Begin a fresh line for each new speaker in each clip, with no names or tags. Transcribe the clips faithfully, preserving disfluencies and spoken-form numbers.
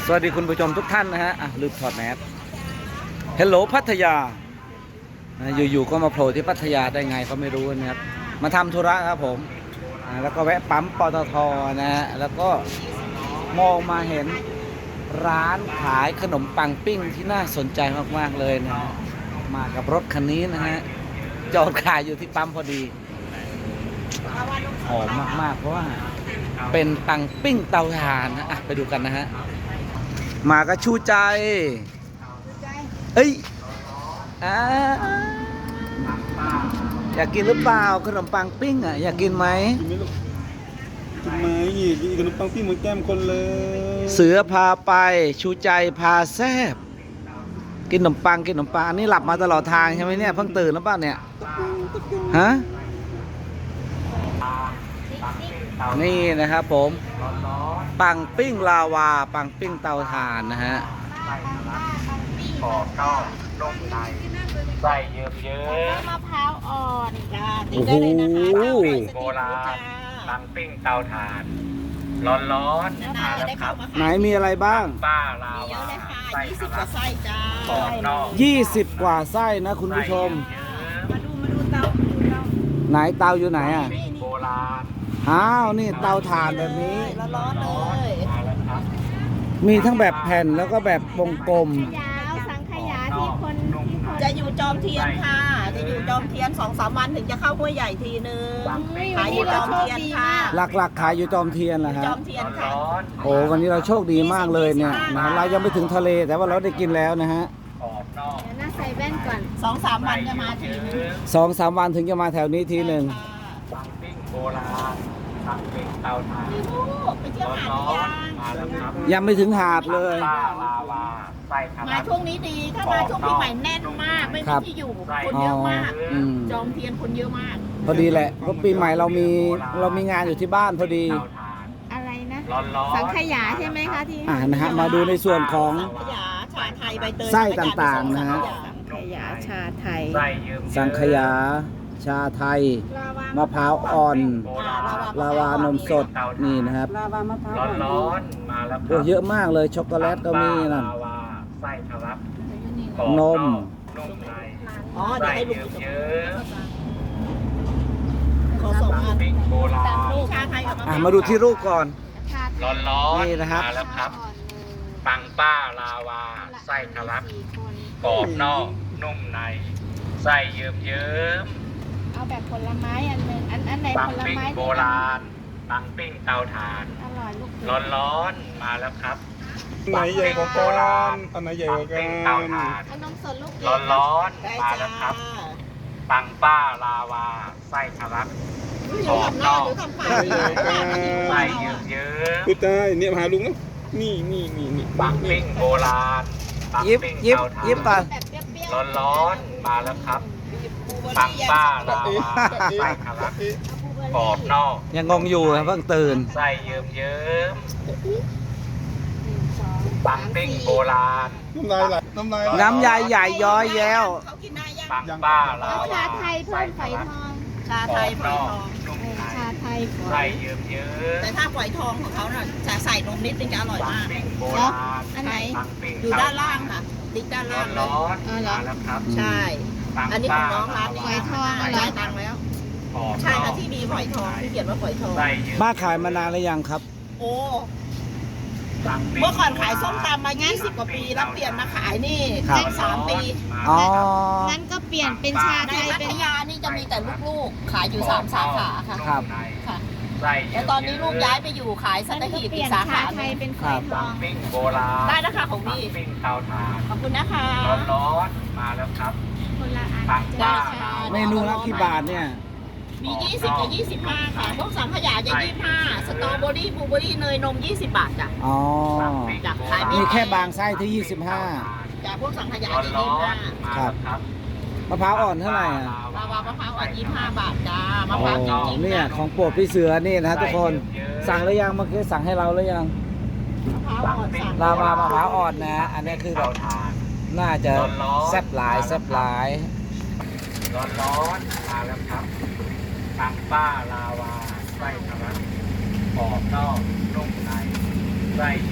สวัสดีคุณผู้ชมทุกท่านนะฮะอ่ะลืมถอดแมสเฮลโหลพัทยาอยู่ๆก็มาโผล่ที่พัทยาได้ไงก็ไม่รู้นะครับมาทำธุระครับผมแล้วก็แวะปั๊มปตทนะฮะแล้วก็มองมาเห็นร้านขายขนมปังปิ้งที่น่าสนใจมากๆเลยนะมากับรถคันนี้นะฮะจอดขายอยู่ที่ปั๊มพอดีหอมมากๆเพราะว่าเป็นปังปิ้งเตาถ่านนะอ่ะไปดูกันนะฮะมาก็ชูใจเอ้ยอ่าอยากกินหรือเปล่าขนมปังปิ้งอ่ะอยากกินไหม
กินไหมลูกกินไหมกินขนมปังปิ้งเหมือนแก้มคนเลย
เสือพาไปชูใจพาแซบกินขนมปังกินขนมปังอันนี้หลับมาตลอดทางใช่ไหมเนี่ยเพิ่งตื่นแล้วป่ะเนี่ยฮะนี่นะครับผมปังปิ้งลาวาปังปิ้งเตาถ่านนะฮะ
กรอบนอกนุ่มในใส่เยิ้มเยิ้มมะพร้าวอ่อนจ้าติดได้เลยนะคะโบราณปังปิ้งเตาถ่านร้อนร้อนมาแล้วครับ
ไหนมีอะไรบ้าง
ป้าลาวาไส้ยี่สิบกว่าไส้จ้ากรอบนอก
ยี่สิบกว่าไส้นะคุณผู้ชม
มาดูมาดูเตา
ไหนเตาอยู่ไหนอ่ะ
โบราณ
อ้าวนี่เตาถ่านแบบนี้
ร้อนเลย
มีทั้งแบบแผ่นแล้วก็แบบวงกลม
ยาวสังขยาที่คนจะอยู่จอมเทียนค่ะจะอยู่จอมเทียนสองสามวันถึงจะเข้าห้วยใหญ่ทีนึงขายอยู่จอมเทียนค่ะ
หลักๆขายอยู่จอมเทียนแหละฮะ
จอมเทียนค่ะ
โอ้วันนี้เราโชคดีมากเลยเนี่ยนะเรายังไม่ถึงทะเลแต่ว่าเราได้กินแล้วนะฮะ
น่าใส่แว่นก่อนสองสามวันจะมาทีนึง
สองสามวันถึงจะมาแถวนี้ทีหนึ่ง
ปังปิ้งโบราณปังปิ้งเตาถ่านไปเที่ยวหาดยัง
ยังไม่ถึงหาดเลย
มาช่วงนี้ดีถ้ามาช่วงปีใหม่แน่นมากไม่มีที่อยู่คนเยอะมากจอมเทียนคนเยอะมาก
พอดีแหละเพราะปีใหม่เรามีเรามีงานอยู่ที่บ้านพอดี
อะไรนะสังขยาใช่ไหมคะที่
อ่านะฮะมาดูในส่วนของ
สังขยาชาไทยใบเตย
ไส้ต่างๆนะฮะ
สังขยาชาไทย
สังขยาชาไทยมะพร้าวอ่อนลาวานมสดนี่นะครับ
ร้อนๆมาแล้ว
โอ้เยอะมากเลยช็อกโกแลตก็มีนั่น
ไส้ทะลัก
นม
อ๋อเดี๋ยวให้ลุงเยอะขอส่งมาโบราณชาไทยกับมะพร้าว
มาดูที่รูปก่อน
ร้อนๆ
นี่นะครับ
มาแล้วครับปังป้าลาวาไส้ทะลักกรอบนอกนุ่มในไส้เยิ้มเยิ้มเอาแบบผลไม้อันหนึ่งอันอันไหนผลไม้โบราณปังปิ้งเตาถ่านอร่อยลูกร้อนร้อนมาแล้วครับ
ไหนใหญ่กว่ากันอันไหนใหญ่กว่ากัน
เตาถ่านนมสดลูกร้อนร้อนมาแล้วครับปังป้าลาวาไส้ทะลักกรอบนอกไส้เยิ้มเยิ้ม
พูดได้เนี่ยมาหาลุงนะนี่นี่นี่นี่
ปังปิ้งโบราณ
ยิบยิบยิบป่ะ
ร้อนร้อนมาแล้วครับปังป้าลาวาไส้ทะลักกรอบนอก
ยังงงอยู่ครับเพิ่งตื่น
ไส้เยิ้มเยิ้มปังปิ้งโบราณ
น้ำลายไหลน้ำลาย
น้ำยายใหญ่ย้อยแย้ว
ปังป้าลาวา
ชาไทยเพิ่มฝอยทอง
ชาไทยฝอยทอง
ชาไทย
ไส้เยิ้มเยิ้มแต่ถ้าฝอยทองของเขาน่ะจะใส่นมนิดนึงจะอร่อยมาก
เนาะอันไหน
อยู่ด้านล่างค่ะติ๊กด้านล่างร้อนมาแล้วครับใช่อันนี้ของน้องร้านนี้
ฝอยทอง
จ่ายตังค์แล้วใช่ค่ะที่มีฝอยทองที่เขียนว่าฝอยทอง
บ้าขายมานานหรือยังครับ
โอ้เมื่อก่อนขายส้มตำมายี่สิบกว่าปีแล้วเปลี่ยนมาขายนี่แค่สามปี
อ๋อ
งั้นก็เปลี่ยนเป็นชาไทย
ในพัทยานี่จะมีแต่ลูกๆขายอยู่สามสาขาค่ะ
ครับ
ค่ะแล้วตอนนี้ลูกย้ายไปอยู่ขายสัตหีบอีกสาขา
ไทยเป็นฝอยทอง
ได้นะคะของพี่ขอบคุณนะคะร้อนๆมาแล้วครับ
คนละอัน
จ้า
เมนูละกี่บาทเนี่ย
มียี่สิบกับยี่สิบห้าค่ะพวกสังขยาจะยี่สิบห้าสตรอเบอรี่บลูเบอรี่เนยนมยี่สิบบาทจ้ะ
อ๋อ
จ้ะขาย
มีแค่บางไส้ที่ยี่สิบห้า
จ้ะพวกสังขยาจะยี่สิบห้า
ครับมะพร้าวอ่อนเท่าไหร่อ่ะ
ลาวามะพร้าวอ่อนยี่สิบห้าบาทจ้ามะพร้าวจริงๆ
เนี่ยของโปรดพี่เสือนี่นะทุกคนสั่งหรือยังเมื่อกี้สั่งให้เราหรือยังลาวามะพร้าวอ่อนนะอันนี้คือแบบน่าจะแซ่บหลายแซ่บหลาย
ร้อนๆมาแล้วครับปังป้าลาวาไส้ทะลักกรอบนอกนุ่มในไส้เยิ้มเยิ้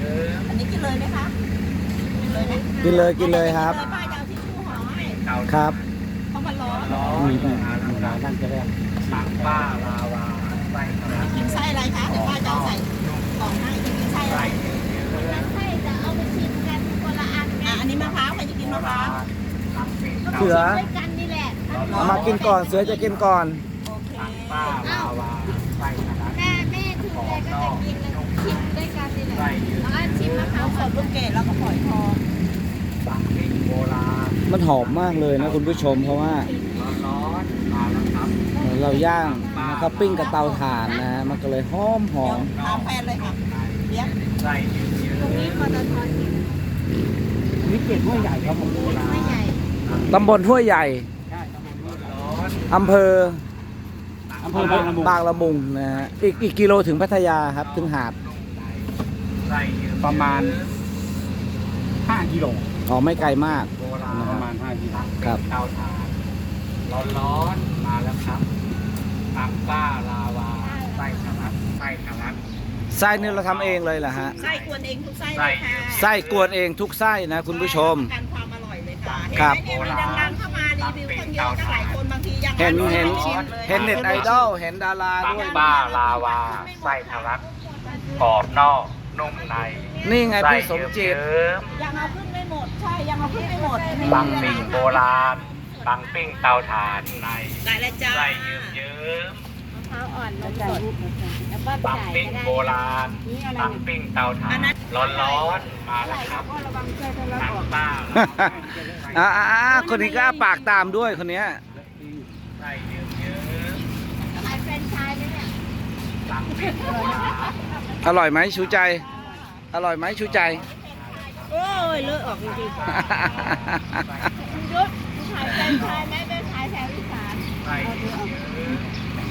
ม
อันนี้กินเลยไหมคะกินเลยไหม
กินเลยกินเลยครับ
เลยป้าจะเอาทิชชู่ห่อให้
เตา
ครับ
เพราะมันร้อน
ร้อนมาแล้วครับปังป้าลาวาไส้ทะลัก
กินไส้อะไรคะเดี๋ยวป้าจะเอาใส่กล่องให้กินไส้อะไร
ไส้เยอะ
แล้วใช่จะเอาไปชิมกันคนละอันไง
อ่ะอันนี้มะพร้าวใครจะกินมะพร้าว
ปังปิ้งเตา
เสือ
ด้วยกันนี่แหละ
เอามากินก่อนเสือจะกินก่อน
โอเค
ป้าลาวาไส้ทะลัก
แม่แม่คือแกก็จะกินแล้วชิมด้วยกันนี่แหละ
ไส้เยอะ
แล้วก็ชิมมะพร้า
เอา
ว
ส
ก่อน
ดลูกเกดแล้วก็ฝอยทอง
ปังปิ้งโบราณ
มันหอมมากเลยนะคุณผู้ชมเพราะว่า
ร้อนๆมาแล้วครับ
เราย่างนะครับปิ้งกับเตาถ่านนะฮะมันก็เลยหอมหอ
เดี๋ยว
ม
ถามแฟนเลยค่ะเลี้ยง
ไส้เยอะ
ตรงนี้ปตทกิน
นี่เกล็ดห้วยใหญ่ครับผม
ไม่ใหญ่
ตำบลห้วยใหญ่
ร้อน
อำเภอ
อำเภอบางละมุง
บางละมุงนะฮะอีกอีกกิโลถึงพัทยาครับถึงหาด
ไส้เยอะ
ประมาณห้ากิโล
อ๋อไม่ไกลมาก
โบราณ
ประมาณห้ากิโล
ครับ
เตาถ่านร้อนๆมาแล้วครับปังป้าลาวาไส้ทะลักไส้ทะลัก
ไส้นี่เราทำเองเลยเหรอฮะ
ไส้กวนเองทุกไส้เลยค่ะ
ไส้กวนเองทุกไส้นะคุณผู้ชม
การความอร่อยเลยค่ะ
ครับ
เห็นไหมเนี่ยมีดังๆเข้ามารีวิวตั้งเยอะตั้งหลายคนบางทียัง
เห็นเห็น
ไม่ชิมลย
เห็นเน็ตไอดอลเห็นดารา
ปัง
ด้วย
ป้าลาวาไส้ทะลักกรอบนอกนุ่มใน
นี่ไง
ไส้
พี่สมจิต
เยิ้ม
ยังเอาขึ้นไม่หมดใช่ยังเอาขึ้นไม่หมด
ๆปังปิ้งโบราณปังปิ้งเตาถ่านใน
ได้แล้วจ้า
ไส้เยิ้มเยิ้ม
มะพร้าวอ่อนนมสดแล้วก็
ปัง
จ่าย
ปิ้ง
ก็ได้
โบราณปังปิ้งเตาถ่านร้อนๆมาแล้วครับปังป้าลาวา
อ่าอ่าอ่าคนนี้ก็อ้าปากตามด้วยคนเนี้ย
ไส้เยิ้มเยิ้ม
ขายแฟรนไชส์ไหมเนี่ย
ๆปังปิ้งโบราณ
อร่อยไหมชูใจ อร่อยไหมชูใจ
โอ้ยเลอะออกจริง
คุณยุทธขายแฟรนไชส์ไหมเป็นขายแถวอีสาน
ไส้เยิ้มเยิ้ม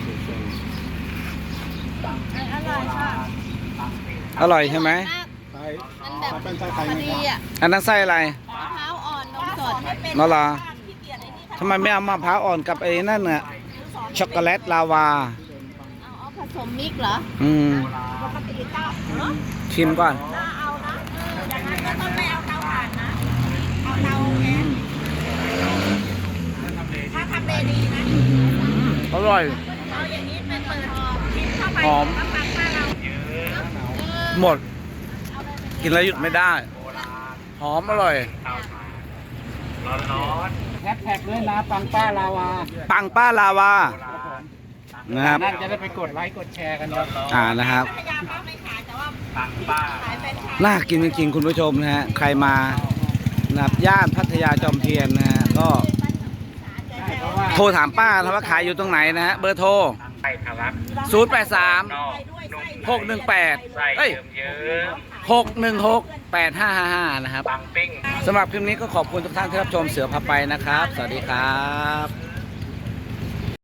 อร่อยค่ะ
อร่อยใช่ไหม
ใช่
มันแบบ
ถ้าเป็นไส้ไทย
พอ
ไหม
ดี
ครับ
อ่ะ
อันนั้นไส้อะไร
มะพร้าวอ่อนนมสด
นั่นเหรอทำไมไม่เอามะพร้าวอ่อนกับไอ้นั่นน่ะช็อกโกแลตลาวา
เอาเอาผสมมิกซ์เหรอ
อืม
ปกติก็เนาะ
ชิมก่อน
ถ้าเอานะเอออย่างนั้นก็ต้องไม่เอาเตาถ่านนะ เอาเตาแก๊สถ้าทำเลดีนะ
อร่อย
เอาอย่างนี้เป็นเปิดพิมพ์เข้าไป
หอม
แล้วฟังป้าเรา
หมด กินแล้วหยุดไม่ได้ หอมอร่อย
เตาถ่านร้อน
แฮชแท็กด้วยนะปังป้าลาวา
ปังป้าลาวา นะครับ
นั่นจะได้ไปกดไลค์กดแชร์กันครับ
อ่านะครับ
พยายามว่าไม่ขายแต่ว่า
ๆปังป้า
ขายเป็นขาย
น่ากินจริงๆคุณผู้ชมนะฮะ ใครมานะครับย่านพัทยาจอมเทียนนะฮะ ก็โทรถามป้านะว่าขายอยู่ตรงไหนนะฮะ เบอร์โทร
ไส้ทะลัก
ศูนย์ แปด สาม
นอกนุ่ม
หก หนึ่ง แปด
ไส้
เอ้ย
เยิ้ม
หก หนึ่ง หก แปด ห้า ห้า ห้านะครับ
ๆปังปิ้ง
สำหรับคลิปนี้ก็ขอบคุณทุกท่านที่รับชมเสือพาไปนะครับ สวัสดีครับ